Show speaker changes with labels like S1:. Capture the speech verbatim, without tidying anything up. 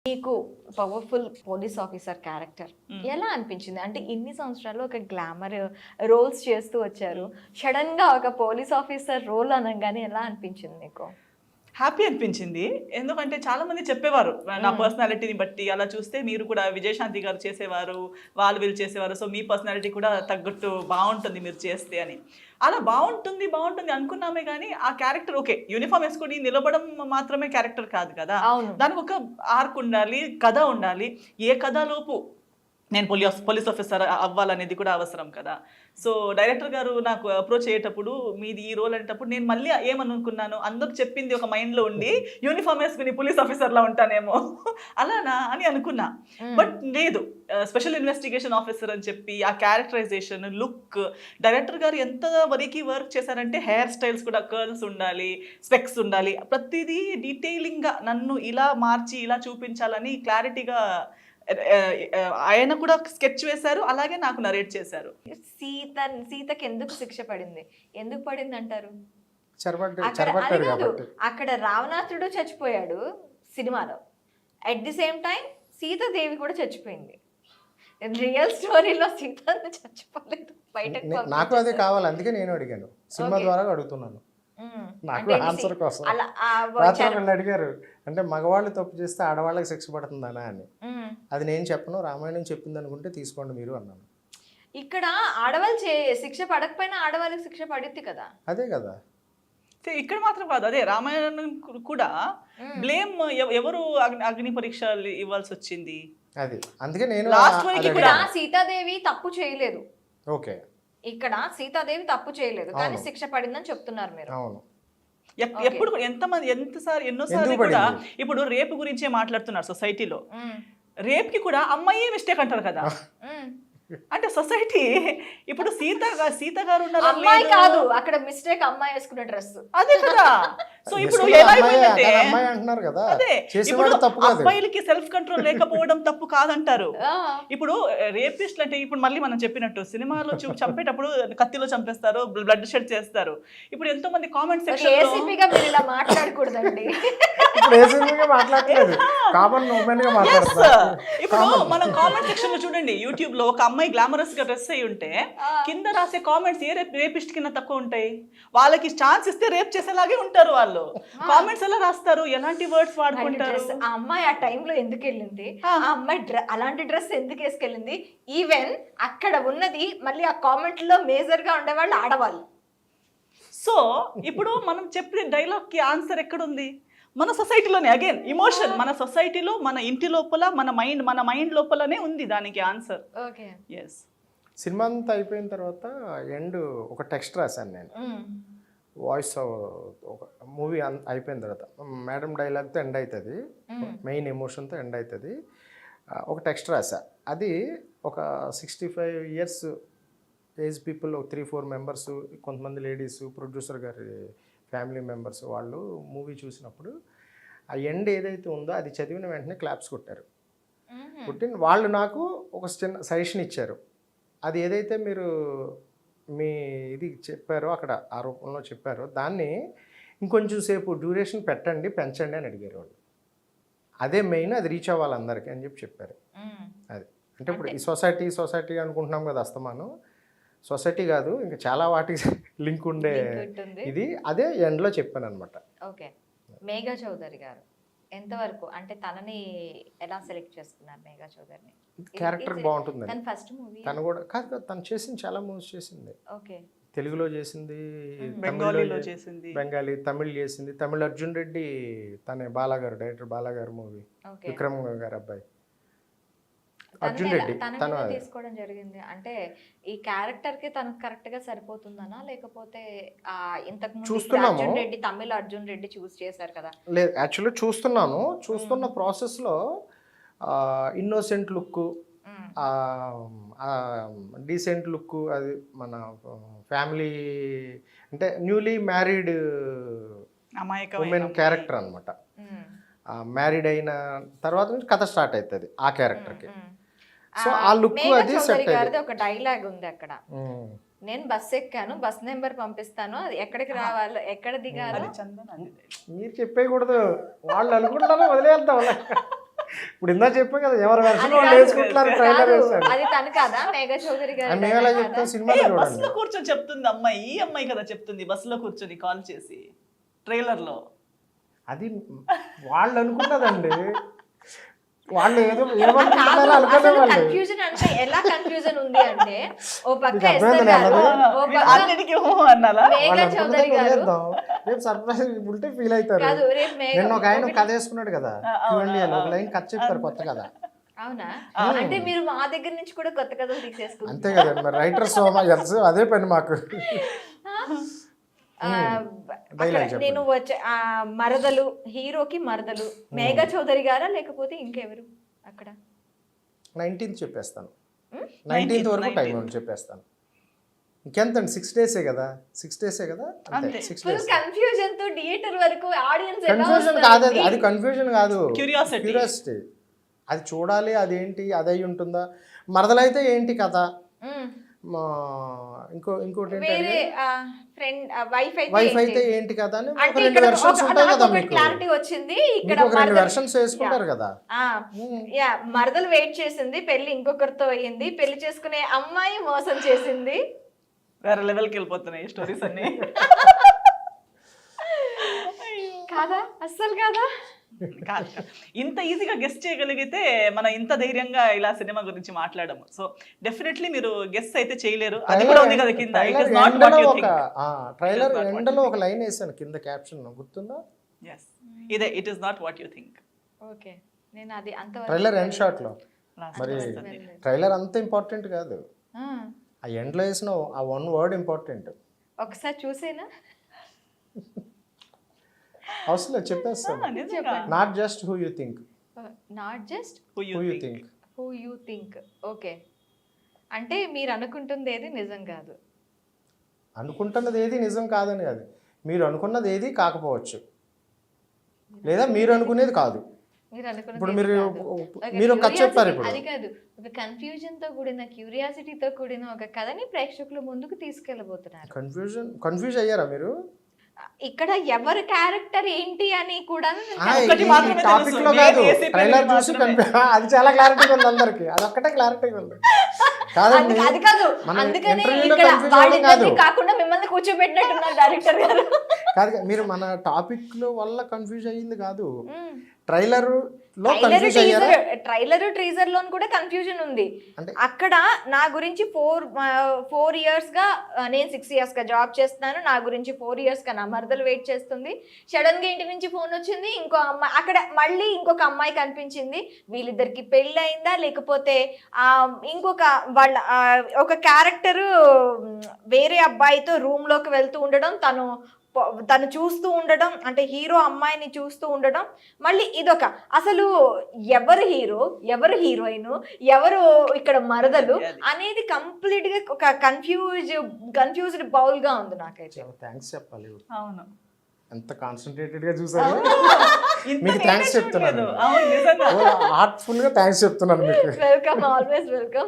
S1: మీకు powerful police officer character ఎలా అనిపించింది? అంటే ఇన్ని సంవత్సరాలు ఒక గ్లామర్ రోల్స్ చేస్తూ వచ్చారు, సడన్ గా ఒక పోలీస్ ఆఫీసర్ రోల్ అనగానే ఎలా అనిపించింది మీకు?
S2: హ్యాపీ అనిపించింది. ఎందుకంటే చాలా మంది చెప్పేవారు నా పర్సనాలిటీని బట్టి, అలా చూస్తే మీరు కూడా విజయశాంతి గారు చేసేవారు, వాళ్ళు వీళ్ళు చేసేవారు, సో మీ పర్సనాలిటీ కూడా తగ్గట్టు బాగుంటుంది మీరు చేస్తే అని. అలా బాగుంటుంది బాగుంటుంది అనుకున్నామే కానీ ఆ క్యారెక్టర్ ఓకే యూనిఫామ్ వేసుకొని నిలబడం మాత్రమే క్యారెక్టర్ కాదు కదా, దానికి ఒక ఆర్క్ ఉండాలి, కథ ఉండాలి. ఏ కథలోపు నేను పోలీస్ పోలీస్ ఆఫీసర్ అవ్వాలనేది కూడా అవసరం కదా. సో డైరెక్టర్ గారు నాకు అప్రోచ్ అయ్యేటప్పుడు మీది ఈ రోల్ అనేటప్పుడు నేను మళ్ళీ ఏమనుకున్నాను, అందరికి చెప్పింది ఒక మైండ్లో ఉండి యూనిఫామ్ వేసుకుని పోలీస్ ఆఫీసర్లా ఉంటానేమో అలానా అని అనుకున్నా. బట్ లేదు, స్పెషల్ ఇన్వెస్టిగేషన్ ఆఫీసర్ అని చెప్పి ఆ క్యారెక్టరైజేషన్, లుక్, డైరెక్టర్ గారు ఎంత వరకు వర్క్ చేశారంటే హెయిర్ స్టైల్స్ కూడా కర్ల్స్ ఉండాలి, స్పెక్స్ ఉండాలి, ప్రతిదీ డీటెయిలింగ్గా నన్ను ఇలా మార్చి ఇలా చూపించాలని క్లారిటీగా ఆయన కూడా స్కెచ్ వేశారు, అలాగే నాకు నరేట్ చేశారు.
S1: సీత సీతకి ఎందుకు శిక్ష పడింది, ఎందుకు పడింది అంటారు? అక్కడ రావణాసుడు చచ్చిపోయాడు సినిమాలో, at the same time Sitadevi కూడా చచ్చిపోయింది. రియల్ స్టోరీలో సీత చచ్చిపోలేదు, బయటకు
S3: నాకు అదే కావాలి, అందుకే నేను అడిగాను, సినిమా ద్వారా అడుగుతున్నాను. నాకు ఆన్సర్ కోసం రాత్రి అడిగారు, అంటే మగవాళ్ళు తప్పు చేస్తే ఆడవాళ్ళకి శిక్ష పడుతుందనా అని. అది నేను చెప్పను, రామాయణం చెప్పింది అనుకుంటే తీసుకోండి మీరు అన్నాను.
S1: ఇక్కడ ఆడవాళ్ళు శిక్ష పడకపోయినా ఆడవాళ్ళకి శిక్ష పడుద్ది కదా.
S3: అదే కదా,
S2: ఇక్కడ మాత్రం కాదు, అదే రామాయణం కూడా బ్లేమ్ ఎవరు అగ్ని పరీక్ష ఇవ్వాల్సి వచ్చింది.
S3: అది అందుకే నేను
S1: ఇక్కడ సీతాదేవి తప్పు చేయలేదు.
S3: ఓకే,
S1: ఇక్కడ సీతాదేవి తప్పు చేయలేదు కానీ శిక్ష పడిందని చెప్తున్నారు మీరు.
S3: అవును,
S2: ఎప్పుడు ఎంతమంది ఎంతసారి ఎన్నోసార్లు కూడా ఇప్పుడు రేపు గురించే మాట్లాడుతున్నారు సొసైటీలో. రేప్ కి కూడా అమ్మాయి మిస్టేక్ అంటారు కదా. అంటే సొసైటీ ఇప్పుడు సీత సీత గారు ఉన్నారు,
S1: అమ్మాయి కాదు అక్కడ మిస్టేక్, అమ్మాయి వేసుకున్న డ్రెస్
S2: అదే కదా. సో ఇప్పుడు ఎలా అయిపోయిందంటే అదే ఇప్పుడు అబ్బాయిలకి సెల్ఫ్ కంట్రోల్ లేకపోవడం తప్పు కాదంటారు. ఇప్పుడు రేపిస్ట్లు అంటే ఇప్పుడు మళ్ళీ మనం చెప్పినట్టు సినిమాలో చూ చంపేటప్పుడు కత్తిలో చంపేస్తారు, బ్లడ్ షెడ్ చేస్తారు. ఇప్పుడు ఎంతో మంది కామెంట్ సెక్షన్
S1: ఏసీపీగా మీరు ఇలా మాట్లాడకూడదండి.
S2: ఇప్పుడు మనం కామెంట్ సెక్షన్ లో చూడండి, యూట్యూబ్ లో ఒక అమ్మాయి గ్లామరస్ గా డ్రెస్ అయి ఉంటే కింద రాసే కామెంట్స్ ఏ రేప్ రేపిస్ట్ కింద తక్కువ ఉంటాయి. వాళ్ళకి ఛాన్స్ ఇస్తే రేప్ చేసేలాగే ఉంటారు వాళ్ళు. కామెంట్స్ ఎలా రాస్తారు, ఎలాంటి వర్డ్స్ వాడుకుంటారు.
S1: ఆ అమ్మాయి ఆ టైంలో ఎందుకు వెళ్ళింది, ఆ అమ్మాయి అలాంటి డ్రెస్ ఎందుకు వేసుకెళ్ళింది, ఈవెన్ అక్కడ ఉన్నది మళ్ళీ ఆ కామెంట్ లో మేజర్ గా ఉండేవాళ్ళు ఆడవాళ్ళు.
S2: సో ఇప్పుడు మనం చెప్పిన డైలాగ్ కి ఆన్సర్ ఎక్కడుంది? మన సొసైటీలోనే. అగైన్ ఇమోషన్ మన సొసైటీలో, మన ఇంటి లోపల, మన మైండ్ మన మైండ్ లోపలనే ఉంది దానికి ఆన్సర్.
S1: Okay,
S2: yes.
S3: సినిమా అంతా అయిపోయిన తర్వాత ఎండ్ ఒక టెక్స్ట్ రాశాను నేను, వాయిస్ ఒక మూవీ అయిపోయిన తర్వాత మేడం డైలాగ్తో ఎండ్ అవుతుంది, మెయిన్ ఎమోషన్తో ఎండ్ అవుతుంది. ఒక టెక్స్ట్ రాసా, అది ఒక sixty five years age people, three four members, కొంతమంది లేడీస్, ప్రొడ్యూసర్ గారి ఫ్యామిలీ మెంబర్స్, వాళ్ళు మూవీ చూసినప్పుడు ఆ ఎండ్ ఏదైతే ఉందో అది చదివిన వెంటనే క్లాప్స్ కొట్టారు. కొట్టిన వాళ్ళు నాకు ఒక చిన్న సజెషన్ ఇచ్చారు, అది ఏదైతే మీరు మీ ఇది చెప్పారో అక్కడ ఆ రూపంలో చెప్పారో దాన్ని ఇంకొంచెం సేపు డ్యూరేషన్ పెట్టండి, పెంచండి అని అడిగారు వాళ్ళు. అదే మెయిన్, అది రీచ్ అవ్వాలి అందరికీ అని చెప్పి చెప్పారు. అది అంటే ఇప్పుడు ఈ సొసైటీ సొసైటీ అనుకుంటున్నాం కదా, అస్తమానం సొసైటీ కాదు ఇంకా చాలా వాటికి లింక్ ఉండే ఇది, అదే ఎండ్లో చెప్పాను అనమాట.
S1: ఓకే, మేఘా చౌదరి గారు ఎంతవరకు అంటే తనని ఎలా సెలెక్ట్ చేసుకున్నారు? మేఘా చౌదరిని
S3: క్యారెక్టర్ బాగుంటుంది,
S1: తన ఫస్ట్ మూవీ
S3: తను కూడా కాదు, తను చేసింది చాలా మూవీస్ చేసింది.
S1: ఓకే,
S3: తెలుగులో చేసింది,
S2: బెంగాలీలో చేసింది,
S3: బెంగాలీ, తమిళ్ చేసింది. తమిళ్ అర్జున్ రెడ్డి తనే బాలాగారు, డైరెక్టర్ బాలాగారు మూవీ, విక్రమ్ గారు అబ్బాయి అర్జున్ రెడ్డి
S1: తను తీసుకోవడం జరిగింది. అంటే ఈ క్యారెక్టర్ కి తనకు కరెక్ట్ గా సరిపోతుందనా, లేకపోతే ఆ ఇంతకు ముందు అర్జున్ రెడ్డి తమిళ అర్జున్ రెడ్డి చూస్ చేశారు కదా?
S3: లేదు, యాక్చువల్లీ చూస్తున్నాను, చూస్తున్న ప్రాసెస్ లో ఇన్నోసెంట్ లుక్, డీసెంట్ లుక్, అది మన ఫ్యామిలీ అంటే న్యూలీ మ్యారీడ్ ఉమెన్ క్యారెక్టర్ అనమాట. మ్యారీడ్ అయిన తర్వాత నుంచి కథ స్టార్ట్ అవుతుంది ఆ క్యారెక్టర్కి. సో ఆ లుక్ అది సెట్ అయ్యింది.
S1: ఒక డైలాగ్ ఉంది అక్కడ, నేను బస్ ఎక్కాను, బస్ నెంబర్ పంపిస్తాను, అది ఎక్కడికి రావాలో ఎక్కడ దిగాలో
S3: మీరు చెప్పేయకూడదు, వాళ్ళు అనుకుంటారో వదిలేద్దాం. ఇప్పుడు ఇందా చెప్పాం కదా ఎవరు వెర్షన్
S1: అది
S3: వాళ్ళు
S1: కాదు.
S3: వేసుకుంటున్నారు ట్రైలర్
S1: కాదు,
S3: వేసారు
S1: అది తను కాదా మేఘా చౌదరి గారు
S3: మేము ఎలా చెప్తాం సినిమాలో
S2: బస్
S3: చూడండి
S2: లో కూర్చొని చెప్తుంది అమ్మాయి, ఈ అమ్మాయి కదా చెప్తుంది బస్ లో కూర్చొని కాల్ చేసి ట్రైలర్ లో.
S3: అది వాళ్ళు అనుకున్నదండి, వాళ్ళు ఏదో ఏమనుకుంటున్నారో అనుకునే వాళ్ళు.
S1: కన్ఫ్యూజన్ అంటే ఎలా కన్ఫ్యూజన్ ఉంది అంటే ఓ పక్క
S3: మీకు
S1: ఎస్ఆర్
S3: అర్థమైందా
S1: గారు,
S3: అన్నది?
S1: ఓ
S2: మీరు
S1: పక్క
S2: అన్నిటికీ ఊహు అన్నారా?
S1: మేఘా
S3: వాళ్ళు
S1: చౌదరి
S3: అనుకున్నదే
S1: గారు.
S3: వదిలేద్దాం. రేపు సర్ప్రైజ్ ఉంటే ఫీల్ అవుతారు.
S1: కాదు రేపు మేఘ
S3: నిన్న ఒక ఆయన కథ వేసుకున్నాడు కదా, చూడండి ఒక లైన్ కథ చెప్తారు కొత్త కథ.
S1: అవునా? అంటే మీరు మా దగ్గర నుంచి కూడా కొత్త కథలు తీసేసుకుంటారు.
S3: అంతే కదండి మరి రైటర్ సోమ ఎల్స్ అదే పని మాకు.
S1: ఆ, అక్కడ నేను వచ్చే ఆ మరదలు హీరోకి మరదలు మేఘా చౌదరి గారా లేకపోతే ఇంకెవరు అక్కడ?
S3: నైన్టీన్త్ చెప్పేస్తాను, నైన్టీన్త్ వరకు టైం ఉంది చెప్పేస్తాను. ఇంకెంతండి సిక్స్ డేసే కదా, సిక్స్ డేసే కదా, అంతే సిక్స్
S1: ఫుల్
S3: డేస్.
S1: కన్ఫ్యూజన్ తో థియేటర్ వరకు ఆడియన్స్ ఎలా
S3: కన్ఫ్యూజన్ కాదు అది, అది కన్ఫ్యూజన్ కాదు,
S2: Curiosity.
S3: క్యూరియాసిటీ. అది చూడాలి, అదేంటి అది అయి ఉంటుందా, మరదలైతే ఏంటి కథ,
S1: మ్మ్.
S3: మా ఇంకో ఇంకోటి
S1: వేరే
S3: ఏంటంటే
S1: ఫ్రెండ్ వైఫ్ అయితే
S3: వైఫ్
S1: ఏంటి?
S3: అయితే ఏంటి కదా అని ఒక
S1: అంటే
S3: రెండు
S1: ఇక్కడ
S3: వెర్షన్స్
S1: ఒక-
S3: ఉంటాయి
S1: నాకు
S3: కదా
S1: ఒకటి
S3: మీకు,
S1: క్లారిటీ వచ్చింది ఇక్కడ
S3: మీకు ఒక రెండు
S1: మరదలు-
S3: వెర్షన్స్ వేసుకుంటారు కదా.
S1: ఆ, యా మరదలు వెయిట్ చేసింది, పెళ్లి ఇంకొకరితో అయ్యింది, పెళ్లి చేసుకునే అమ్మాయి మోసం చేసింది.
S2: వేరే లెవెల్కి వెళ్ళిపోతున్నాయి స్టోరీస్ అన్ని.
S1: కాదా? అస్సలు కాదా?
S2: కాదు కాదు. ఇంత ఈజీగా గెస్ట్ చేయగలిగితే మనం ఇంత ధైర్యంగా ఇలా సినిమా గురించి మాట్లాడము. సో డెఫినెట్లీ మీరు గెస్ట్ అయితే చేయలేరు. అది కూడా ఉంది కదా కింద. It is not what you
S3: ఒక
S2: think.
S3: Trailer
S2: It is not what
S3: ఎండలో ఒక లైన్ వేసాను కింద క్యాప్షన్, గుర్తుందా?
S2: yes ఇదే it is not what you think.
S1: Okay, నేను అది అంత
S3: ట్రైలర్ ఎండ్ షాట్ లో. మరి
S1: వస్తుంది.
S3: ట్రైలర్ అంత ఇంపార్టెంట్ కాదు,
S1: ఆ,
S3: ఆ ఎండ్ లో వేసిన ఆ వన్ వర్డ్ ఇంపార్టెంట్.
S1: ఒకసారి చూసేనా?
S3: అవసరం లేదు, చెప్పేస్తాను.
S2: నిజంగా
S3: not just who you think,
S1: not just
S2: who you
S3: who you
S2: think.
S3: Think.
S1: Who you think. Okay, అంటే మీరు అనుకుంటుంది ఏది నిజం కాదు.
S3: అనుకుంటున్నది ఏది నిజం కాదని కాదు, మీరు అనుకున్నది ఏది కాకపోవచ్చు, లేదా మీరు అనుకునేది కాదు.
S1: మీరు అనుకున్నది
S3: ఇప్పుడు
S1: ఏది
S3: మీరు
S1: కాదు. ఒక
S3: మీరు ఒక కథ
S1: curiosity-
S3: చెప్పారు ఇప్పుడు.
S1: అది కాదు, ఒక కన్ఫ్యూజన్ తో కూడిన క్యూరియాసిటీతో కూడిన ఒక కథని ప్రేక్షకుల ముందుకు తీసుకెళ్ళబోతున్నారు.
S3: కన్ఫ్యూజన్ కన్ఫ్యూజ్ అయ్యారా మీరు?
S1: ఇక్కడ ఎవరి క్యారెక్టర్ ఏంటి అని కూడా
S3: ఆ,
S2: ఒక్కటి
S3: ఈ
S2: మాత్రమే
S3: టాపిక్
S2: తెలుసు.
S3: లో కాదు,
S2: నేను వేసే
S3: ట్రైలర్
S2: పెళ్లి
S3: చూసి
S2: మాత్రమే.
S3: కన్ఫ్యూ- అది చాలా క్లారిటీగా ఉంది అందరికి, అది ఒక్కటే క్లారిటీగా ఉంది. కాదండి,
S1: అందుకే- అది కాదు,
S3: మనం
S1: అందుకని
S3: ఇంటర్వ్యూలో
S1: ఇక్కడ
S3: కన్ఫ్యూజ్ అవ్వడం కాదు.
S1: వాళ్ళిద్దరిని కాకుండా మిమ్మల్ని కూర్చోబెట్టినట్టున్నారు డైరెక్టర్ గారు.
S3: కాదు మీరు మన టాపిక్ లో వల్ల కన్ఫ్యూజ్ అయ్యింది కాదు,
S1: మ్మ్.
S3: ట్రైలర్ లో
S1: ట్రైలర్
S3: కన్ఫ్యూజ్ అయ్యారా?
S1: టీజర్ ట్రైలర్ టీజర్ లో కూడా కన్ఫ్యూజన్ ఉంది.
S3: అంటే
S1: అక్కడ నా గురించి ఫోర్ ఫోర్ ఇయర్స్ గా ఆ, నేను సిక్స్ ఇయర్స్ గా జాబ్ చేస్తున్నాను, నా గురించి ఫోర్ ఇయర్స్ గా నా మరదలు వెయిట్ చేస్తుంది, సడన్ గా ఇంటి నుంచి ఫోన్ వచ్చింది, ఇంకో అమ్మాయి అక్కడ మళ్ళీ ఇంకొక అమ్మాయి కనిపించింది, వీళ్ళిద్దరికి పెళ్ళి అయిందా లేకపోతే ఆ ఇంకొక వాళ్ళ ఆ, ఒక క్యారెక్టర్ వేరే అబ్బాయితో రూమ్ లోకి వెళ్తూ ఉండడం, తను పొ- తను చూస్తూ ఉండడం, అంటే హీరో అమ్మాయిని చూస్తూ ఉండడం, మళ్ళీ ఇదొక అసలు ఎవరు హీరో ఎవరు హీరోయిన్ ఎవరు ఇక్కడ మరదలు అనేది కంప్లీట్ గా ఒక కన్ఫ్యూజ్ కన్ఫ్యూజ్డ్ బౌల్ గా ఉంది నాకైతే.
S3: చాలా థ్యాంక్స్ చెప్పాలి,
S2: అవును.
S3: ఎంత కాన్సన్ట్రేటెడ్ గా చూసారు.
S2: ఇంత
S3: మీకు
S2: నేనే
S3: థ్యాంక్స్ చెప్తున్నాను,
S2: చూడలేదు. అవును నిజంగా.
S3: హార్ట్ఫుల్ గా థ్యాంక్స్ చెప్తున్నాను మీకు.
S1: Welcome, always welcome.